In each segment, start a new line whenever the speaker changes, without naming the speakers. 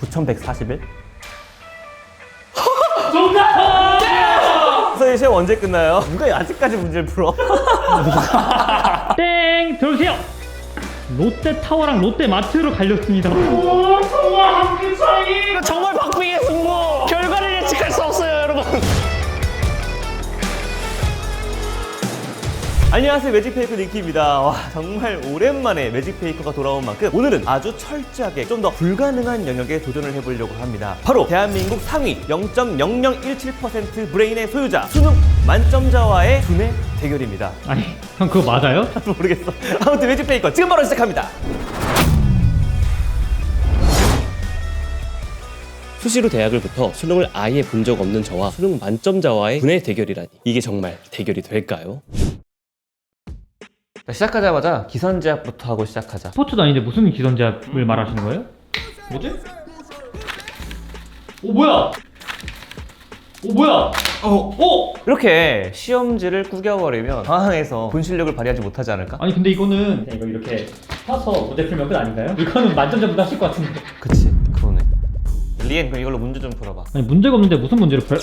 2141?
정답!
선생님 시험 언제 끝나요? 누가 아직까지 문제를 풀어?
땡! 들어오세요! 롯데타워랑 롯데마트로 갈렸습니다. 오, 정말 한 끗 차이!
정말 박빙의 승부! 결과를 예측할 수 없어요, 여러분!
안녕하세요, 매직페이커 닉키입니다. 와, 정말 오랜만에 매직페이커가 돌아온 만큼 오늘은 아주 철저하게 좀 더 불가능한 영역에 도전을 해보려고 합니다. 바로 대한민국 상위 0.0017% 브레인의 소유자 수능 만점자와의 두뇌 대결입니다.
아니, 형 그거 맞아요?
모르겠어. 아무튼 매직페이커 지금 바로 시작합니다. 수시로 대학을 붙어 수능을 아예 본 적 없는 저와 수능 만점자와의 두뇌 대결이라니, 이게 정말 대결이 될까요? 자, 시작하자마자 기선제압부터 하고 시작하자.
스포츠도 아닌데 무슨 기선제압을 말하시는 거예요? 뭐지? 오, 뭐야? 오, 뭐야? 오!
이렇게 시험지를 구겨버리면 상황에서 본 실력을 발휘하지 못하지 않을까?
아니 근데 이거는 이거 이렇게 펴서 문제 풀면 끝 아닌가요? 이거는 만점자보다 하실 것 같은데.
그치, 그러네. 리엔, 그럼 이걸로 문제 좀 풀어봐.
아니 문제가 없는데 무슨 문제를 풀어요?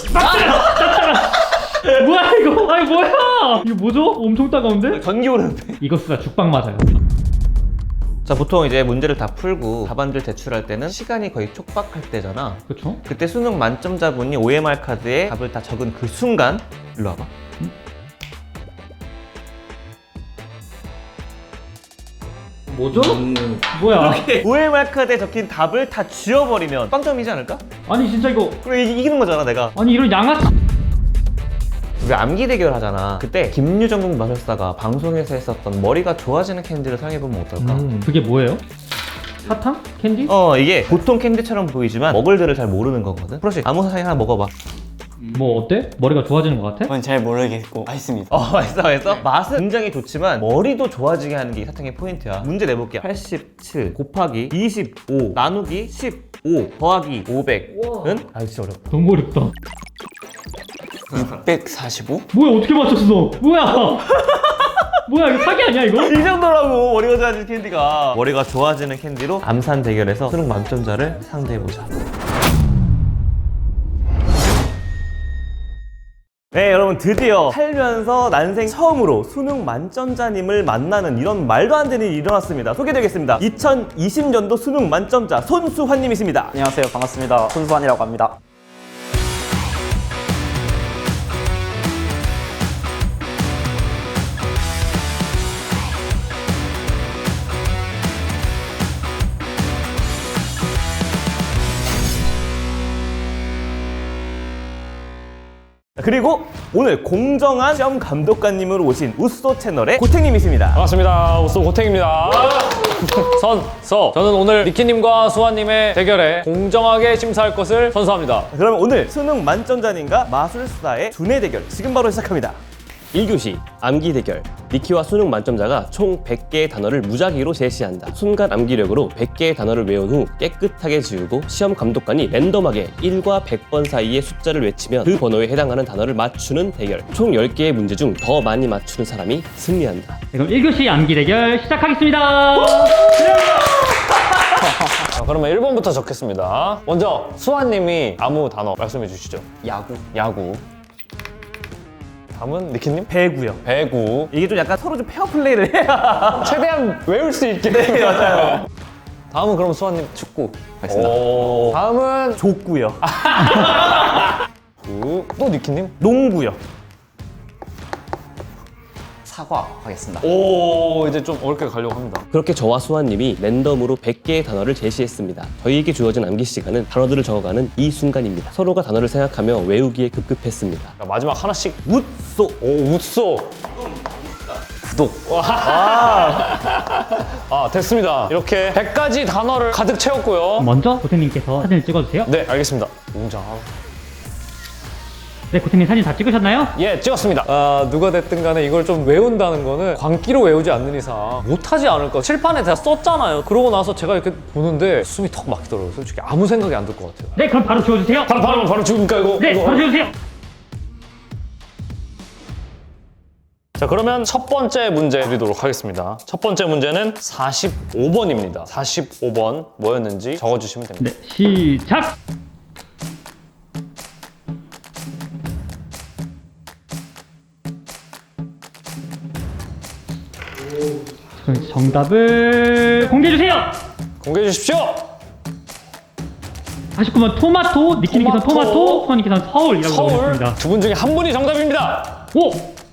뭐야 이거? 아니 뭐야? 이거 뭐죠? 엄청 따가운데?
전기 오르는데?
이거 쓰다 죽방 맞아요.
자, 보통 이제 문제를 다 풀고 답안지를 제출할 때는 시간이 거의 촉박할 때잖아.
그쵸?
그때 수능 만점자분이 OMR 카드에 답을 다 적은 그 순간, 일로 와봐.
뭐죠? 뭐야?
OMR 카드에 적힌 답을 다 지워버리면 빵점이지 않을까?
아니 진짜 이거
그래, 이기는 거잖아, 내가.
아니 이런 양아치.
우리 암기 대결 하잖아. 그때 김유정국 마술사가 방송에서 했었던 머리가 좋아지는 캔디를 사용해보면 어떨까?
그게 뭐예요? 사탕? 캔디?
이게 보통 캔디처럼 보이지만 먹을 들을 잘 모르는 거거든. 프로시 아무 사탕 하나 먹어봐.
뭐 어때? 머리가 좋아지는 것 같아?
저는 잘 모르겠고 맛있습니다.
맛있어? 맛은 굉장히 좋지만 머리도 좋아지게 하는 게 이 사탕의 포인트야. 문제 내볼게요. 87 곱하기 25 나누기 15 더하기 500은? 아, 진짜 어렵다.
너무 어렵다.
645?
뭐야 어떻게 맞췄어? 뭐야? 뭐야 이거 사기 아니야 이거?
이 정도라고, 머리가 좋아지는 캔디가. 머리가 좋아지는 캔디로 암산 대결에서 수능 만점자를 상대해보자. 네, 여러분, 드디어 살면서 난생 처음으로 수능 만점자님을 만나는 이런 말도 안 되는 일이 일어났습니다. 소개드리겠습니다. 2020년도 수능 만점자 손수환님이십니다.
안녕하세요, 반갑습니다. 손수환이라고 합니다.
그리고 오늘 공정한 시험 감독관님으로 오신 우쏘 채널의 고택님이십니다.
반갑습니다. 우쏘 고택입니다. 저는 오늘 니키님과 수환님의 대결에 공정하게 심사할 것을 선서합니다.
그러면 오늘 수능 만점자님과 마술사의 두뇌 대결 지금 바로 시작합니다. 1교시 암기 대결. 니키와 수능 만점자가 총 100개의 단어를 무작위로 제시한다. 순간 암기력으로 100개의 단어를 외운 후 깨끗하게 지우고 시험 감독관이 랜덤하게 1과 100번 사이의 숫자를 외치면 그 번호에 해당하는 단어를 맞추는 대결. 총 10개의 문제 중 더 많이 맞추는 사람이 승리한다.
네, 그럼 1교시 암기 대결 시작하겠습니다.
자, 그러면 1번부터 적겠습니다. 먼저 수환님이 아무 단어 말씀해 주시죠. 야구. 다음은 니키님?
배구요.
배구.
이게 좀 약간 서로 좀 페어 플레이를 해야.
최대한 외울 수 있게.
네, 맞아요.
다음은 그럼 수환님 축구.
알겠습니다.
다음은
족구요.
또 니키님?
농구요.
사과 하겠습니다.
오, 이제 좀 어렵게 가려고 합니다.
그렇게 저와 수환님이 랜덤으로 100개의 단어를 제시했습니다. 저희에게 주어진 암기 시간은 단어들을 적어가는 이 순간입니다. 서로가 단어를 생각하며 외우기에 급급했습니다.
자, 마지막 하나씩.
웃소.
오, 웃소.
구독.
아, 됐습니다. 이렇게 100가지 단어를 가득 채웠고요.
먼저 고택님께서 사진을 찍어주세요.
네, 알겠습니다. 웅장.
네, 고택님 사진 다 찍으셨나요?
예, 찍었습니다. 누가 됐든 간에 이걸 좀 외운다는 거는 광기로 외우지 않는 이상 못하지 않을까. 칠판에 다 썼잖아요. 그러고 나서 제가 이렇게 보는데 숨이 턱 막히더라고요. 솔직히 아무 생각이 안 들 것 같아요.
네, 그럼 바로 지워주세요.
바로 지금까 이거?
네, 바로 지워주세요.
자, 그러면 첫 번째 문제 드리도록 하겠습니다. 첫 번째 문제는 45번입니다. 45번 뭐였는지 적어주시면 됩니다.
네, 시작! 그럼 정답을 공개해주세요!
공개해 주십시오!
49번 토마토, 니키니키선 토마토, 소니키선 서울이라고
서울
적어주셨습니다.
두 분 중에 한 분이 정답입니다.
오!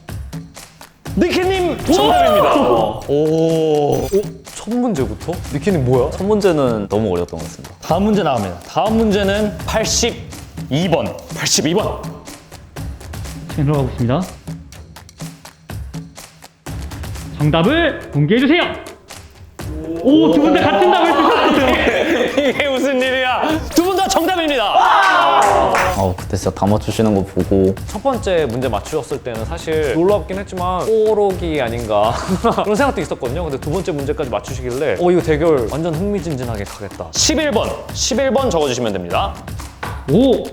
니키님 정답입니다. 오.
첫 문제부터? 니키님 뭐야?
첫 문제는 너무 어려웠던 것 같습니다.
다음 문제 나갑니다. 다음 문제는 82번. 82번.
지금 들어가고 있습니다. 정답을 공개해주세요! 오, 두 분 다 같은 답을 쓰셨어요!
이게 무슨 일이야? 두 분 다 정답입니다.
그때 진짜 다 맞추시는 거 보고
첫 번째 문제 맞추셨을 때는 사실 놀랍긴 했지만 꼬록이 아닌가 그런 생각도 있었거든요. 근데 두 번째 문제까지 맞추시길래 이거 대결 완전 흥미진진하게 가겠다.
11번 적어주시면 됩니다.
오!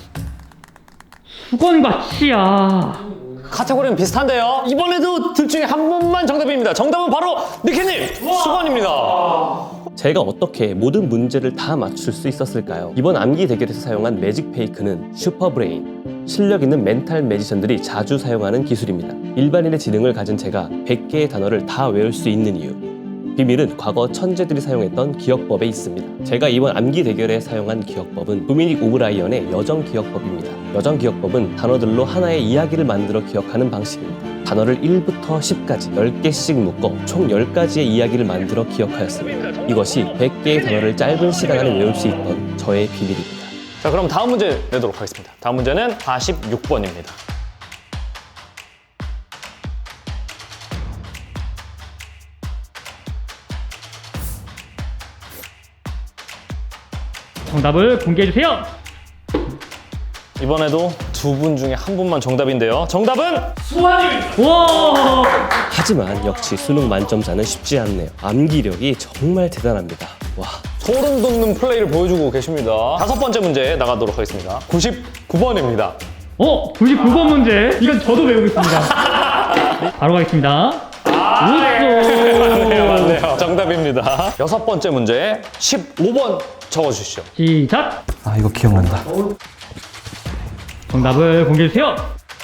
수건과 치아.
카테고리는 비슷한데요. 이번에도 둘 중에 한 분만 정답입니다. 정답은 바로 니키님 수건입니다.
제가 어떻게 모든 문제를 다 맞출 수 있었을까요? 이번 암기 대결에서 사용한 매직 페이크는 슈퍼브레인, 실력 있는 멘탈 매지션들이 자주 사용하는 기술입니다. 일반인의 지능을 가진 제가 100개의 단어를 다 외울 수 있는 이유, 비밀은 과거 천재들이 사용했던 기억법에 있습니다. 제가 이번 암기 대결에 사용한 기억법은 도미닉 오브라이언의 여정 기억법입니다. 여정 기억법은 단어들로 하나의 이야기를 만들어 기억하는 방식입니다. 단어를 1부터 10까지 10개씩 묶어 총 10가지의 이야기를 만들어 기억하였습니다. 이것이 100개의 단어를 짧은 시간 안에 외울 수 있던 저의 비밀입니다.
자, 그럼 다음 문제 내도록 하겠습니다. 다음 문제는 46번입니다.
정답을 공개해주세요!
이번에도 두 분 중에 한 분만 정답인데요. 정답은
와!
하지만 역시 수능 만점자는 쉽지 않네요. 암기력이 정말 대단합니다. 와.
소름 돋는 플레이를 보여주고 계십니다. 다섯 번째 문제 나가도록 하겠습니다. 99번입니다.
99번 문제. 이건 저도 외우고 있습니다. 바로 가겠습니다.
맞네요. 정답입니다. 여섯 번째 문제 15번 적어주시죠.
시작!
이거 기억난다.
정답을 공개해주세요!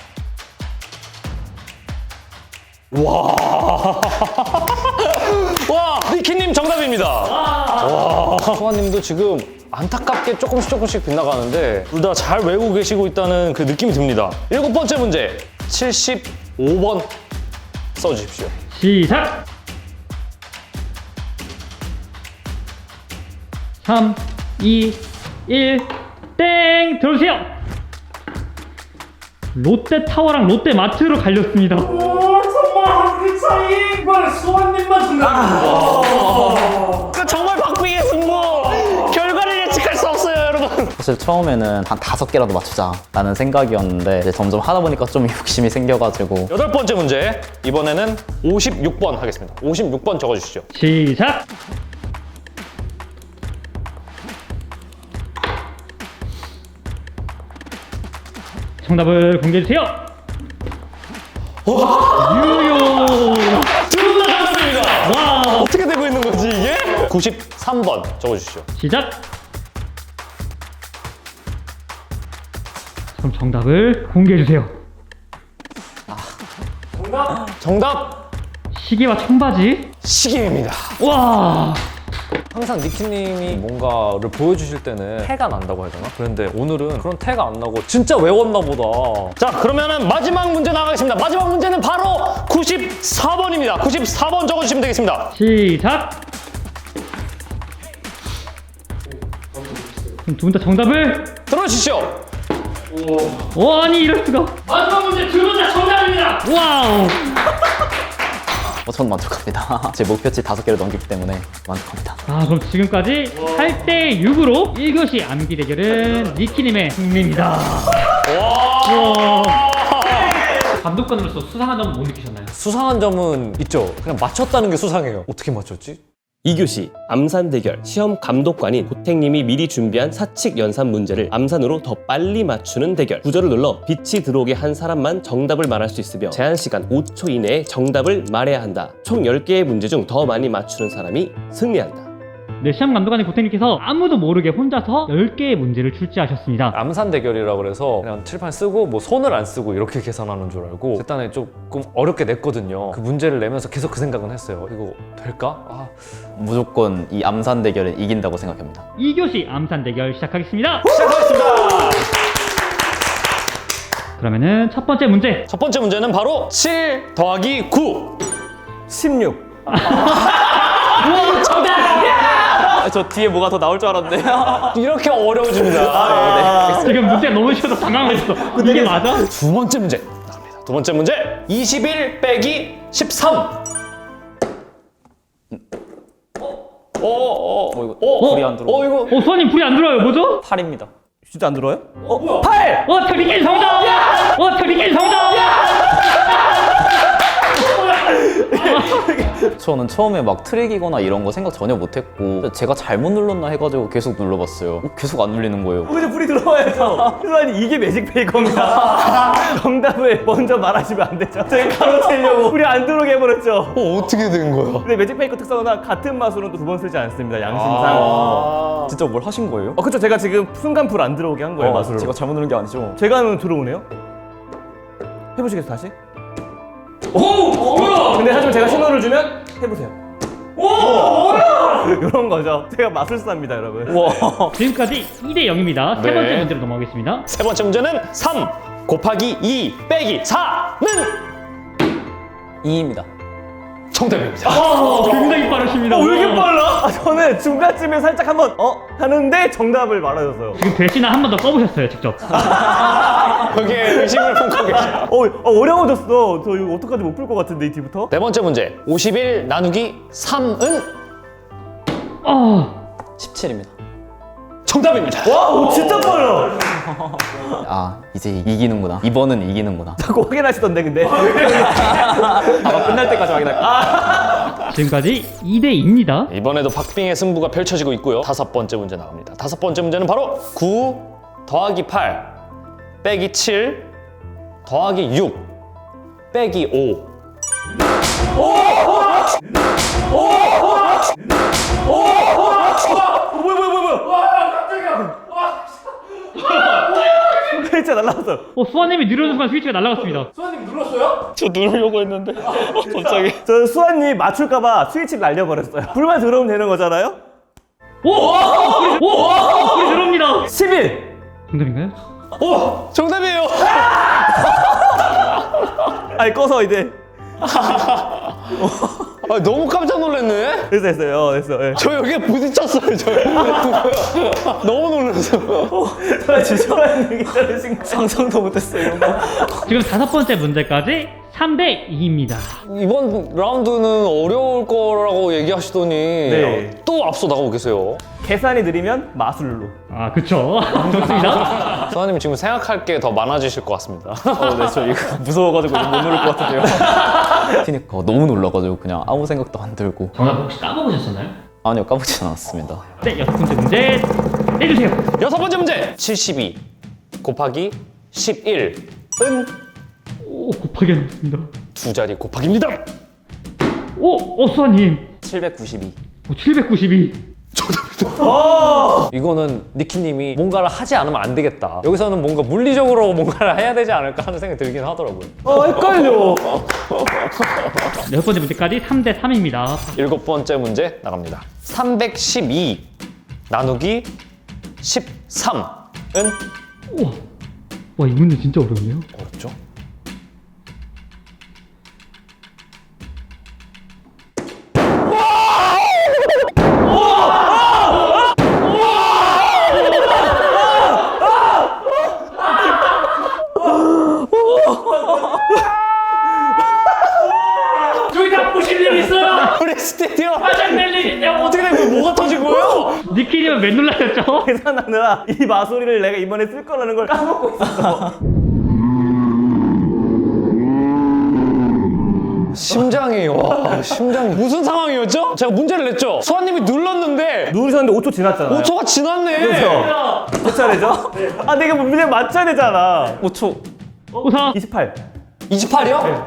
와, 니키님 정답입니다. 수아님도 지금 안타깝게 조금씩 빗나가는데 둘 다 잘 외우고 계시고 있다는 그 느낌이 듭니다. 일곱 번째 문제 75번 써주십시오.
시작! 3, 2, 1, 땡! 들어주세요! 롯데타워랑 롯데마트로 갈렸습니다.
정말 박빙의 승부! 결과를 예측할 수 없어요, 여러분.
사실 처음에는 한 5개라도 맞추자라는 생각이었는데 이제 점점 하다 보니까 좀 욕심이 생겨가지고
여덟 번째 문제 이번에는 56번 하겠습니다. 56번 적어주시죠.
시작! 정답을 공개해주세요! 유효!
둘 다 정답입니다.
와!
어떻게 되고 있는 거지 이게? 93번 적어주시죠.
시작! 그럼 정답을 공개해주세요.
정답
시계와 청바지?
시계입니다.
와!
항상 니키님이 뭔가를 보여주실 때는 태가 난다고 해야 되나? 그런데 오늘은 그런 태가 안 나고 진짜 외웠나 보다.
자, 그러면은 마지막 문제 나가겠습니다. 마지막 문제는 바로 94번입니다. 94번 적어주시면 되겠습니다.
시작! 그럼 두 분 다 정답을?
들어주시죠.
아니 이럴 수가. 마지막 문제 두 분 다 정답입니다. 와우.
전 만족합니다. 제 목표치 5개를 넘기기 때문에 만족합니다.
그럼 지금까지 8대 6으로 1교시 암기 대결은 니키님의 승리입니다. 와. 감독관으로서 수상한 점은 못 느끼셨나요?
수상한 점은 있죠. 그냥 맞췄다는 게 수상해요. 어떻게 맞췄지?
2교시 암산 대결 시험 감독관인 고택님이 미리 준비한 사칙 연산 문제를 암산으로 더 빨리 맞추는 대결. 구절을 눌러 빛이 들어오게 한 사람만 정답을 말할 수 있으며 제한 시간 5초 이내에 정답을 말해야 한다. 총 10개의 문제 중 더 많이 맞추는 사람이 승리한다.
네, 시험 감독관인 고택님께서 아무도 모르게 혼자서 10개의 문제를 출제하셨습니다.
암산 대결이라 그래서 그냥 칠판 쓰고 뭐 손을 안 쓰고 이렇게 계산하는 줄 알고 일단은 조금 어렵게 냈거든요. 그 문제를 내면서 계속 그 생각은 했어요. 이거 될까?
무조건 이 암산 대결은 이긴다고 생각합니다.
2교시 암산 대결 시작하겠습니다.
시작하겠습니다.
그러면은 첫 번째 문제.
첫 번째 문제는 바로 7 더하기 9.
16.
저 뒤에 뭐가 더 나올 줄 알았는데.
이렇게 어려워집니다.
지금 문제 너무 쉬워서 당황했어. 이게 맞아?
두 번째 문제 나갑니다. 두 번째 문제 21 빼기 13.
불이 안 들어오네.
이거
수아님 불이 안 들어요. 뭐죠?
8입니다.
진짜 안 들어요?
8! 트리킨 정답! 트리킨 정답!
저는 처음에 막 트릭이거나 이런 거 생각 전혀 못했고 제가 잘못 눌렀나 해가지고 계속 눌러봤어요. 계속 안 눌리는 거예요.
근데 불이 들어와야죠. 수아님 이게 매직페이 겁니다. 정답을 먼저 말하시면 안 되죠. 제가 가로채려고 불이 안 들어오게 해버렸죠.
어떻게 된 거야?
근데 매직페이커 특성은 같은 마술은 또 두 번 쓰지 않습니다. 양심상.
진짜 뭘 하신 거예요?
그쵸. 제가 지금 순간 불 안 들어오게 한 거예요. 마술로.
제가 잘못 누른 게 아니죠?
제가 하면 들어오네요. 해보시겠어요 다시? 오! 근데 하지만 제가 신호를 주면 해보세요. 이런 거죠. 제가 마술사입니다, 여러분.
지금까지 2대 0입니다. 세 번째 문제로 넘어가겠습니다.
세 번째 문제는 3 곱하기 2 빼기 4는
2입니다.
정답입니다.
굉장히 빠르십니다.
왜 이렇게 빨라? 저는 중간쯤에 살짝 한번 하는데 정답을 말하셨어요.
지금 대신에 한 번 더 써보셨어요, 직접.
거기에 의심을 품고 계셔.
어려워졌어. 저 이거 어떡하지 못 풀 것 같은데 이 뒤부터?
네 번째 문제 51 나누기 3은
17입니다.
정답입니다.
와, 진짜 빨라.
아, 이제 이기는구나. 이번은 이기는구나.
자꾸 확인하시던데 근데.
아마 끝날 때까지 확인할게요.
지금까지 2대 2입니다.
이번에도 박빙의 승부가 펼쳐지고 있고요. 다섯 번째 문제 나갑니다. 다섯 번째 문제는 바로 9 더하기 8 빼기 7 더하기 6 빼기 5.
진짜 날라왔어.
수아님이 누르는 순간 스위치가 날아갔습니다.
저 누르려고 했는데 갑자기.
저 수아님 맞출까봐 스위치를 날려버렸어요. 불만 들어오면 되는 거잖아요?
불이 들어옵니다.
11.
정답인가요?
오! 정답이에요.
아니 꺼서 이제.
너무 깜짝 놀랐네.
됐어요. 예.
저 여기에 부딪혔어요. 저 너무 놀랐어.
수아님이 저러신 거.
상상도 못했어요, 이런 거.
지금 다섯 번째 문제까지 3대 2입니다.
이번 라운드는 어려울 거라고 얘기하시더니
네.
또 앞서 나가고 계세요.
계산이 느리면 마술로.
아, 그쵸. 좋습니다.
수아님 지금 생각할 게 더 많아지실 것 같습니다.
네, 저 이거 무서워가지고 이거 못 누를 것 같은데요. 그러니까 너무 놀라가지고 그냥 아무 생각도 안 들고.
정답 혹시 까먹으셨었나요?
아니요, 까먹진 않았습니다.
네, 여섯 번째 문제 내주세요.
여섯 번째 문제 72 곱하기 11은
곱하기 하겠습니다.
두 자리 곱하기입니다.
수아님.
792.
792.
이거는 니키님이 뭔가를 하지 않으면 안 되겠다. 여기서는 뭔가 물리적으로 뭔가를 해야 되지 않을까 하는 생각이 들긴 하더라고요.
헷갈려.
네, 여섯 번째 문제까지 3대 3입니다.
일곱 번째 문제 나갑니다. 312 나누기 13은
와, 이 문제 진짜 어렵네요.
어렵죠?
저기 다 보실 일 있어요?
우리 스튜디오
화장 낼 일 있냐고.
어떻게 된 거예요? 뭐가 터진 거예요?
니키님은 왜 놀라셨죠?
계산하느라 이 마술이를 내가 이번에 쓸 거라는 걸 까먹고 있었어.
심장이 와 심장이 무슨 상황이었죠? 제가 문제를 냈죠? 수아님이 눌렀는데
누르셨는데 5초 지났잖아요.
5초가 지났네.
그렇죠. 몇 차례죠? 아, 내가 문제 맞춰야 되잖아.
5초.
5사
28.
28이요?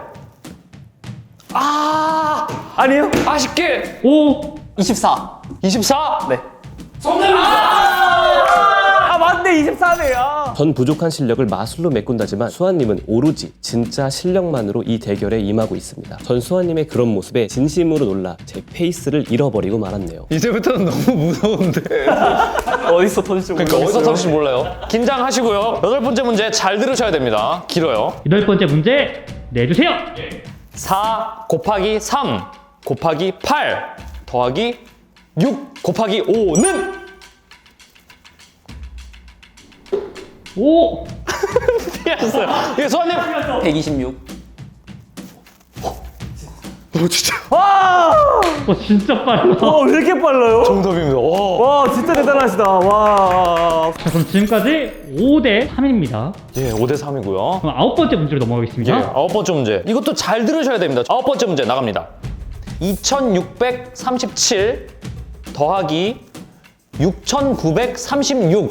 아
아니에요?
아쉽게
5
24.
24?
네.
아, 맞네. 24네요. 전 부족한 실력을 마술로 메꾼다지만 수아님은 오로지 진짜 실력만으로 이 대결에 임하고 있습니다. 전 수아님의 그런 모습에 진심으로 놀라 제 페이스를 잃어버리고 말았네요.
이제부터는 너무 무서운데.
어디서 터질지
그러니까 어디서 터질지 몰라요. 긴장하시고요. 8번째 문제 잘 들으셔야 됩니다. 길어요.
8번째 문제 내주세요.
4 곱하기 3 곱하기 8 더하기 6 곱하기 5는?
5
피했어요. 이게 수아님
126.
와!
진짜 빨라.
왜 이렇게 빨라요?
정답입니다. 와.
와, 진짜 대단하시다. 와.
자, 그럼 지금까지 5대 3입니다.
예, 5대 3이고요.
그럼 9번째 문제로
예,
넘어가겠습니다.
9번째 문제. 이것도 잘 들으셔야 됩니다. 9번째 문제 나갑니다. 2637 더하기 6936은?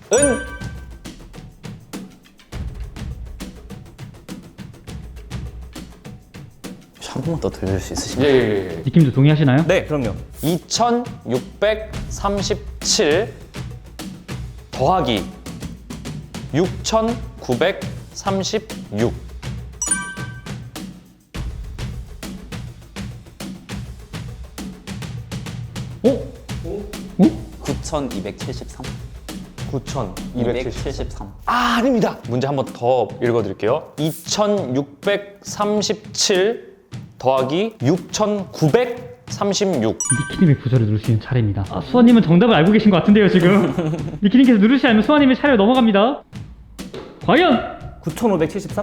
한 번만 더 들려줄 수 있으신가요?
예.
느낌도 동의하시나요?
네, 그럼요.
2637 더하기 6936.
9273.
9273.
273.
아, 아닙니다. 문제 한 번 더 읽어드릴게요. 2637 더하기 6936.
니키님의 부서를 누르시는 차례입니다. 아, 수아님은 정답을 알고 계신 것 같은데요, 지금. 니키님께서 누르시지 않으면 수아님의 차례로 넘어갑니다. 과연?
9573?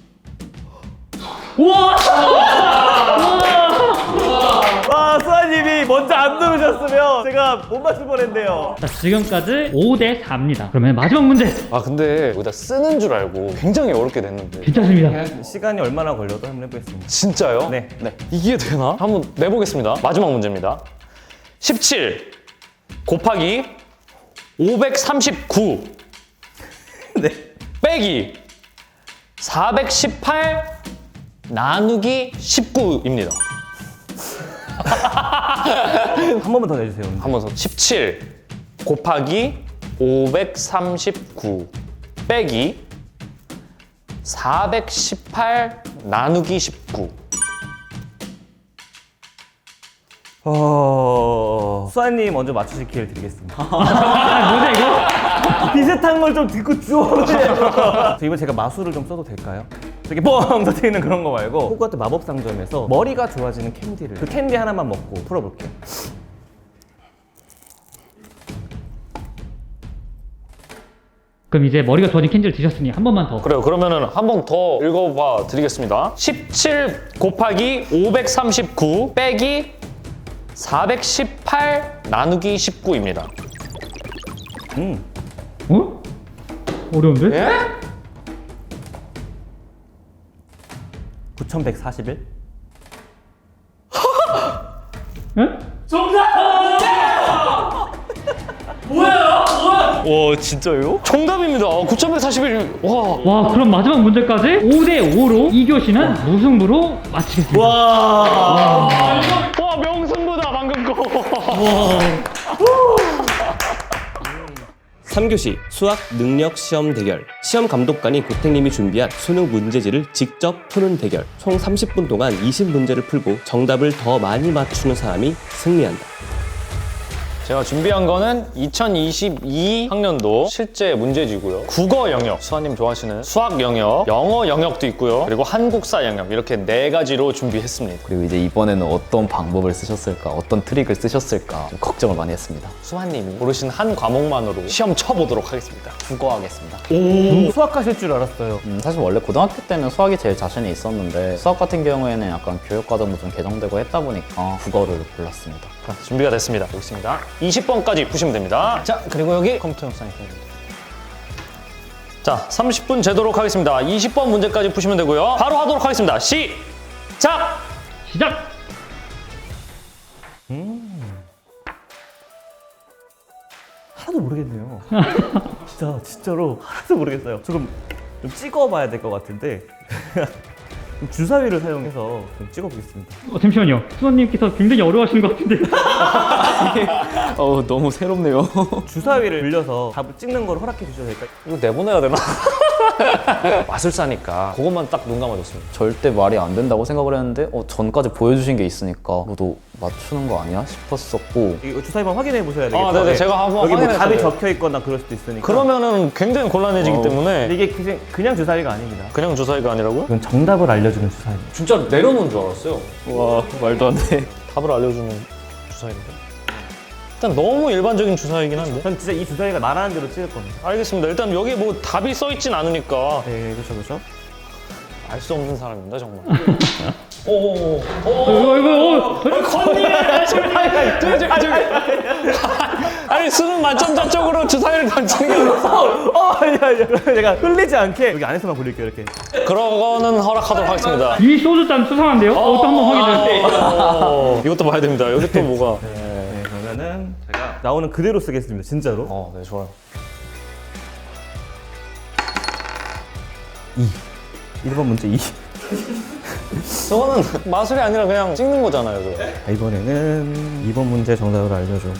와, 수아님이 먼저 안 누르셨으면 제가 못 맞출 뻔했네요.
자, 지금까지 5대 4입니다. 그러면 마지막 문제.
아, 근데 여기다 쓰는 줄 알고 굉장히 어렵게 됐는데.
괜찮습니다.
시간이 얼마나 걸려도 한번 해보겠습니다.
진짜요?
네.
이게 되나? 한번 내보겠습니다. 마지막 문제입니다. 17 곱하기 539
네.
빼기 418 나누기 19입니다.
한 번만 더 내주세요.
한 번 더. 17 곱하기 539 빼기 418 나누기 19.
수아님 먼저 맞추실 기회를 드리겠습니다.
아, 뭐냐, 이거?
비슷한 걸 좀 듣고 주워오세요. 이번 제가 마술을 좀 써도 될까요? 저기 뻥 터뜨리는 그런 거 말고 호그와트 마법 상점에서 머리가 좋아지는 캔디를 그 캔디 하나만 먹고 풀어볼게요.
그럼 이제 머리가 좋아진 캔디를 드셨으니 한 번만 더.
그래요. 그러면은 한 번 더 읽어봐 드리겠습니다. 17 곱하기 539 빼기 418 나누기 19입니다.
어? 어려운데?
예?
9141?
예?
와, 진짜요?
정답입니다. 9141. 와.
와, 그럼 마지막 문제까지 5대 5로 2교시는 무승부로 마치겠습니다.
와.
와, 명승부다 방금 거.
3교시 수학 능력 시험 대결. 시험 감독관인 고택님이 준비한 수능 문제지를 직접 푸는 대결. 총 30분 동안 20문제를 풀고 정답을 더 많이 맞추는 사람이 승리한다.
제가 준비한 거는 2022 학년도 실제 문제지고요. 국어 영역, 수아님 좋아하시는 수학 영역, 영어 영역도 있고요. 그리고 한국사 영역 이렇게 4가지로 준비했습니다.
그리고 이제 이번에는 어떤 방법을 쓰셨을까, 어떤 트릭을 쓰셨을까 좀 걱정을 많이 했습니다.
수아님이 고르신 한 과목만으로 시험 쳐보도록 하겠습니다.
국어 하겠습니다.
수학하실 줄 알았어요.
사실 원래 고등학교 때는 수학이 제일 자신이 있었는데 수학 같은 경우에는 약간 교육과정도 좀 개정되고 했다 보니까 국어를 골랐습니다.
자, 준비가 됐습니다. 여기 있습니다. 20번까지 푸시면 됩니다. 자, 그리고 여기 컴퓨터 영상이 보입니다. 자, 30분 재도록 하겠습니다. 20번 문제까지 푸시면 되고요. 바로 하도록 하겠습니다. 시작!
시작!
하나도 모르겠네요. 진짜로 하나도 모르겠어요. 조금 좀 찍어봐야 될 것 같은데 주사위를 사용해서 좀 찍어보겠습니다.
잠시만요. 수원님께서 굉장히 어려워하시는 것 같은데.
너무 새롭네요.
주사위를 빌려서 답을 찍는 걸 허락해 주셔도 될까요?
이거 내보내야 되나? 마술사니까 그것만 딱 눈 감아줬습니다.
절대 말이 안 된다고 생각을 했는데 전까지 보여주신 게 있으니까 너도 맞추는 거 아니야 싶었었고
이거 주사위만 확인해 보셔야 되겠죠.
네네. 제가 한번
여기 뭐
확인해서
답이
돼요.
적혀 있거나 그럴 수도 있으니까.
그러면은 굉장히 곤란해지기 때문에
근데 이게 그냥 주사위가 아닙니다.
그냥 주사위가 아니라고요?
이건 정답을 알려주는 주사위입니다.
진짜 내려놓은 줄 알았어요.
와 말도 안 돼.
답을 알려주는 주사위인데. 일단 너무 일반적인 주사위긴 한데.
전 진짜 이 주사위가 말하는 대로 찍을 겁니다.
알겠습니다. 일단 여기 뭐 답이 써 있진 않으니까
네, 그렇죠.
알 수 없는 사람입니다 정말.
컨님!
아니 수능 만점자 쪽으로 주사위를 던지는 게 아니라
제가 흘리지 않게 여기 안에서만 굴릴게요, 이렇게.
그러고는 허락하도록 하겠습니다.
이미 쏘줬다면 수상한데요? 또 한번 확인을.
이것도 봐야 됩니다. 여기 또 뭐가.
네, 그러면은 제가 나오는 그대로 쓰겠습니다, 진짜로.
네 좋아요.
1번 문제 2.
저거는 마술이 아니라 그냥 찍는 거잖아요. 저거.
이번에는 2번 문제 정답을 알려줘.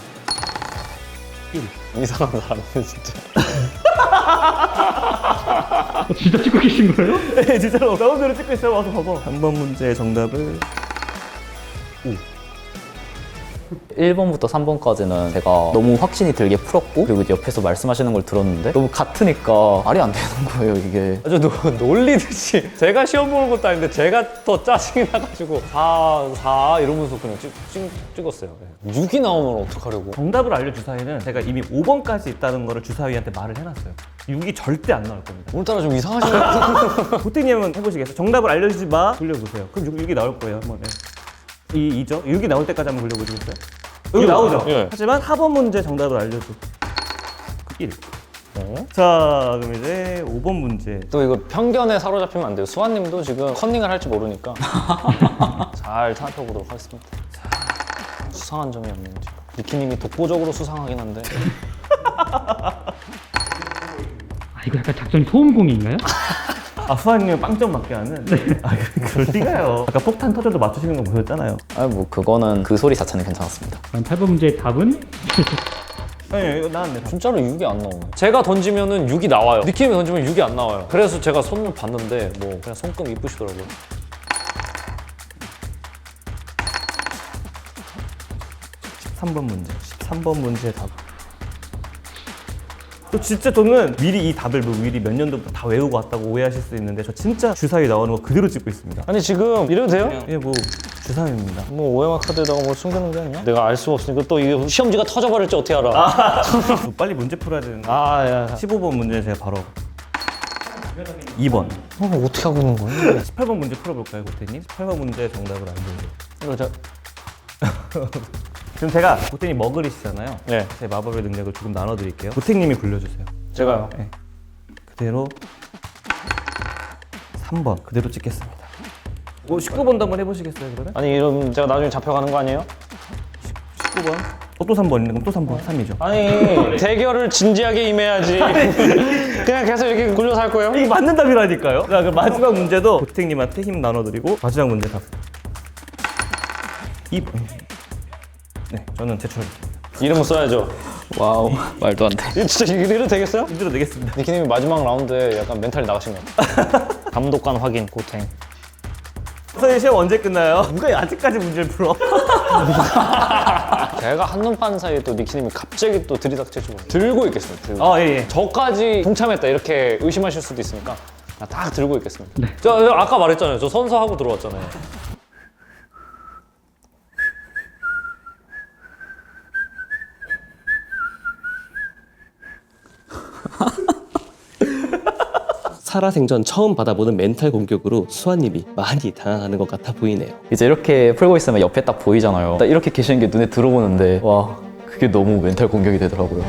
이상한 사람이네 진짜.
진짜 찍고 계신 거예요?
네, 진짜로 나온 대로 찍고 있어요. 와서 봐봐. 3번 문제 정답을
1번부터 3번까지는 제가 너무 확신이 들게 풀었고 그리고 이제 옆에서 말씀하시는 걸 들었는데 너무 같으니까 말이 안 되는 거예요 이게.
아주 놀리듯이 제가 시험 보는 것도 아닌데 제가 더 짜증이 나가지고 4 이러면서 그냥 찍었어요. 6이 나오면 어떡하려고.
정답을 알려 주사위는 제가 이미 5번까지 있다는 거를 주사위한테 말을 해놨어요. 6이 절대 안 나올 겁니다.
오늘따라 좀 이상하시네요.
보태님은 해보시겠어요? 정답을 알려주지 마. 돌려보세요. 그럼 6이 나올 거예요. 한번. 네. 2죠? 6이 나올 때까지 한번 돌려보시겠어요? 여기 나오죠?
예.
하지만 4번 문제 정답을 알려줘. 1. 자, 그럼 이제 5번 문제.
또 이거 편견에 사로잡히면 안 돼요. 수아님도 지금 컨닝을 할지 모르니까 잘 살펴보도록 하겠습니다. 수상한 점이 없는지. 니키님이 독보적으로 수상하긴 한데.
이거 약간 작전이 소음공인가요?
수아님은 빵점 맞게 하는? 그럴 리가요. 아까 폭탄 터져도 맞추시는 거 보셨잖아요.
뭐 그거는 그 소리 자체는 괜찮았습니다.
그럼 8번 문제의 답은?
아니, 이거 나왔네.
진짜로 6이 안 나오네. 제가 던지면은 6이 나와요. 니키님이 던지면 6이 안 나와요. 그래서 제가 손을 봤는데 뭐 그냥 손금 이쁘시더라고요.
13번 문제. 13번 문제의 답. 또 진짜 저는 미리 이 답을 미리 몇 년도부터 다 외우고 왔다고 오해하실 수 있는데 저 진짜 주사위 나오는 거 그대로 찍고 있습니다.
아니 지금 이래도 돼요?
예, 뭐 주사위입니다.
뭐 OMR 카드에다가 뭘 숨기는 게 아니야? 내가 알 수가 없으니까 또 이게 시험지가 터져버릴지 어떻게 알아?
빨리 문제 풀어야 되는데.
야.
15번 문제 제가 바로 2번.
어떻게 하고 있는 거야?
18번 문제 풀어볼까요, 고태님? 18번 문제 정답을 알려주세요.
이거 저
지금 제가 고태님 머글이시잖아요.
네.
제 마법의 능력을 조금 나눠드릴게요. 고태님이 굴려주세요.
제가요.
네. 그대로 3번 그대로 찍겠습니다. 19번도 한번 해보시겠어요, 그러면?
아니 이러면 제가 나중에 잡혀가는 거 아니에요?
19번. 또 3번 있는 그럼 또 3번. 3이죠.
아니 대결을 진지하게 임해야지. 그냥 계속 이렇게 굴려서 할 거예요?
이게 맞는 답이라니까요. 자, 그럼 마지막 문제도 고택님한테 힘 나눠드리고 마지막 문제 답. 2번. 네, 저는 제출하겠습니다.
이름을 써야죠.
와우 말도 안 돼.
이거 진짜 이래도 되겠어요?
힘들어 내겠습니다.
니키님이 마지막 라운드에 약간 멘탈이 나가신 것 같아요. 감독관 확인, 고탱.
선생님 시험 언제 끝나요? 누가 아직까지 문제를 풀어?
제가 한눈 파는 사이에 또 니키님이 갑자기 또 들이닥치시고 들고 있겠습니다. 들고.
예.
저까지 동참했다 이렇게 의심하실 수도 있으니까 그냥 딱 들고 있겠습니다. 저 아까 말했잖아요. 저 선서하고 들어왔잖아요.
살아생전 처음 받아보는 멘탈 공격으로 수아님이 많이 당황하는 것 같아 보이네요.
이제 이렇게 풀고 있으면 옆에 딱 보이잖아요. 딱 이렇게 계시는 게 눈에 들어오는데 와 그게 너무 멘탈 공격이 되더라고요.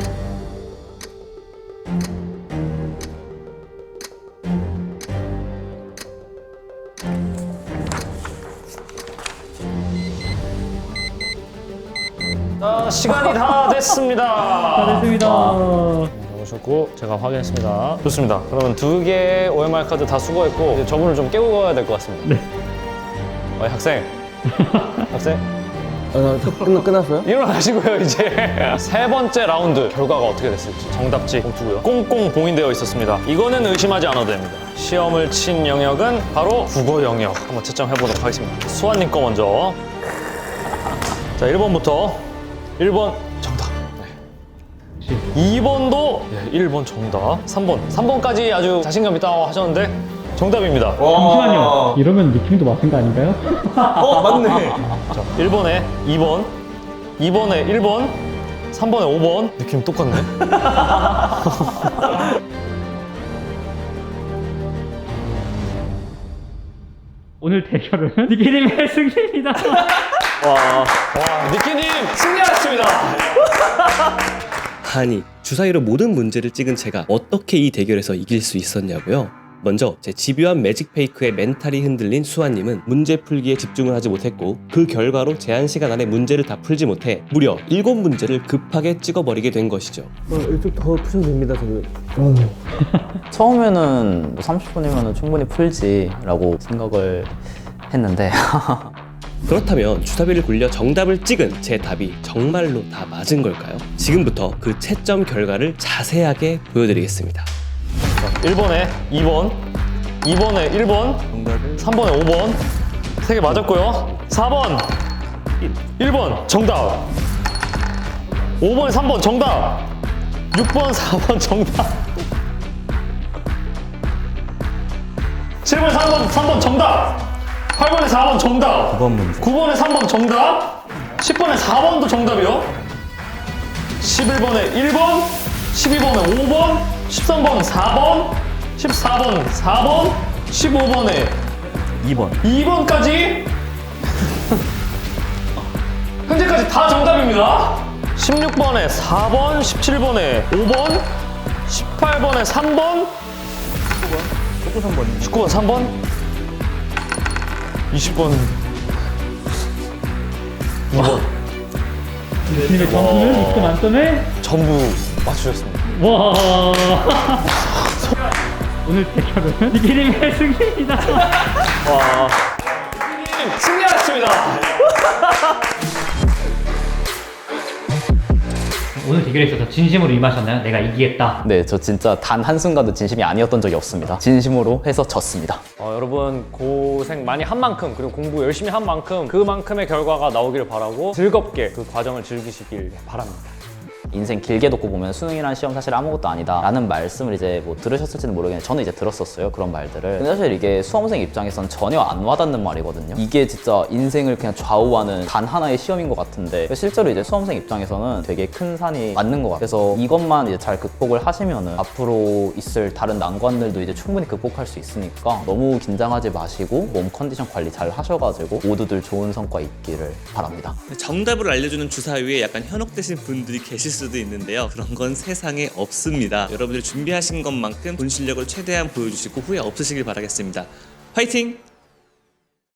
자, 시간이 다 됐습니다.
다 됐습니다.
오셨고 제가 확인했습니다. 좋습니다. 그러면 2개의 OMR 카드 다 수거했고 이제 저분을 좀 깨우고 가야 될 것 같습니다.
네.
학생. 학생.
끝났어요?
일어나시고요 이제. 세 번째 라운드 결과가 어떻게 됐을지 정답지 봉투고요. 꽁꽁 봉인되어 있었습니다. 이거는 의심하지 않아도 됩니다. 시험을 친 영역은 바로 국어 영역. 한번 채점해 보도록 하겠습니다. 수아님 거 먼저. 자, 1번부터 1번 정답. 네. 2번도 1번 정답. 3번까지 아주 자신감 있다고 하셨는데 정답입니다.
잠시만요. 이러면 니킴도 맞은 거 아닌가요?
맞네.
자, 1번에 2번, 2번에 1번, 3번에 5번. 느낌 똑같네.
오늘 대결은 니키님의 승리입니다.
와, 니키님 승리하셨습니다.
아니, 주사위로 모든 문제를 찍은 제가 어떻게 이 대결에서 이길 수 있었냐고요? 먼저 제 집요한 매직 페이크에 멘탈이 흔들린 수아님은 문제 풀기에 집중을 하지 못했고 그 결과로 제한 시간 안에 문제를 다 풀지 못해 무려 7문제를 급하게 찍어버리게 된 것이죠. 이쪽 더 푸셔도 됩니다, 저는.
처음에는 뭐 30분이면 충분히 풀지라고 생각을 했는데
그렇다면 주사위를 굴려 정답을 찍은 제 답이 정말로 다 맞은 걸까요? 지금부터 그 채점 결과를 자세하게 보여드리겠습니다.
1번에 2번, 2번에 1번, 3번에 5번. 3개 맞았고요. 4번, 1번 정답. 5번에 3번 정답. 6번, 4번 정답. 7번에 3번 정답. 8번에 4번 정답. 9번에 3번 정답. 10번에 4번도 정답이요. 11번에 1번, 12번에 5번, 13번 4번, 14번 4번, 15번에 2번까지 현재까지 다 정답입니다. 16번에 4번, 17번에 5번, 18번에 3번, 19번 3번, 20번 2번.
니키님의 점수는 20점 만점에
전부 맞추셨습니다.
와. 오늘 대결은 니키님의 승리입니다.
승리하셨습니다.
오늘 대결에 있어서 진심으로 임하셨나요? 내가 이기겠다.
네, 저 진짜 단 한순간도 진심이 아니었던 적이 없습니다. 진심으로 해서 졌습니다.
여러분 고생 많이 한 만큼 그리고 공부 열심히 한 만큼 그만큼의 결과가 나오기를 바라고 즐겁게 그 과정을 즐기시길 바랍니다.
인생 길게 놓고 보면 수능이라는 시험 사실 아무것도 아니다 라는 말씀을 이제 뭐 들으셨을지는 모르겠는데 저는 이제 들었었어요, 그런 말들을. 근데 사실 이게 수험생 입장에선 전혀 안 와닿는 말이거든요. 이게 진짜 인생을 그냥 좌우하는 단 하나의 시험인 것 같은데 실제로 이제 수험생 입장에서는 되게 큰 산이 맞는 것 같아요. 그래서 이것만 이제 잘 극복을 하시면은 앞으로 있을 다른 난관들도 이제 충분히 극복할 수 있으니까 너무 긴장하지 마시고 몸 컨디션 관리 잘 하셔가지고 모두들 좋은 성과 있기를 바랍니다.
정답을 알려주는 주사위에 약간 현혹되신 분들이 계실 수도 있는데요. 그런 건 세상에 없습니다. 여러분들이 준비하신 것만큼 본 실력을 최대한 보여주시고 후회 없으시길 바라겠습니다. 화이팅!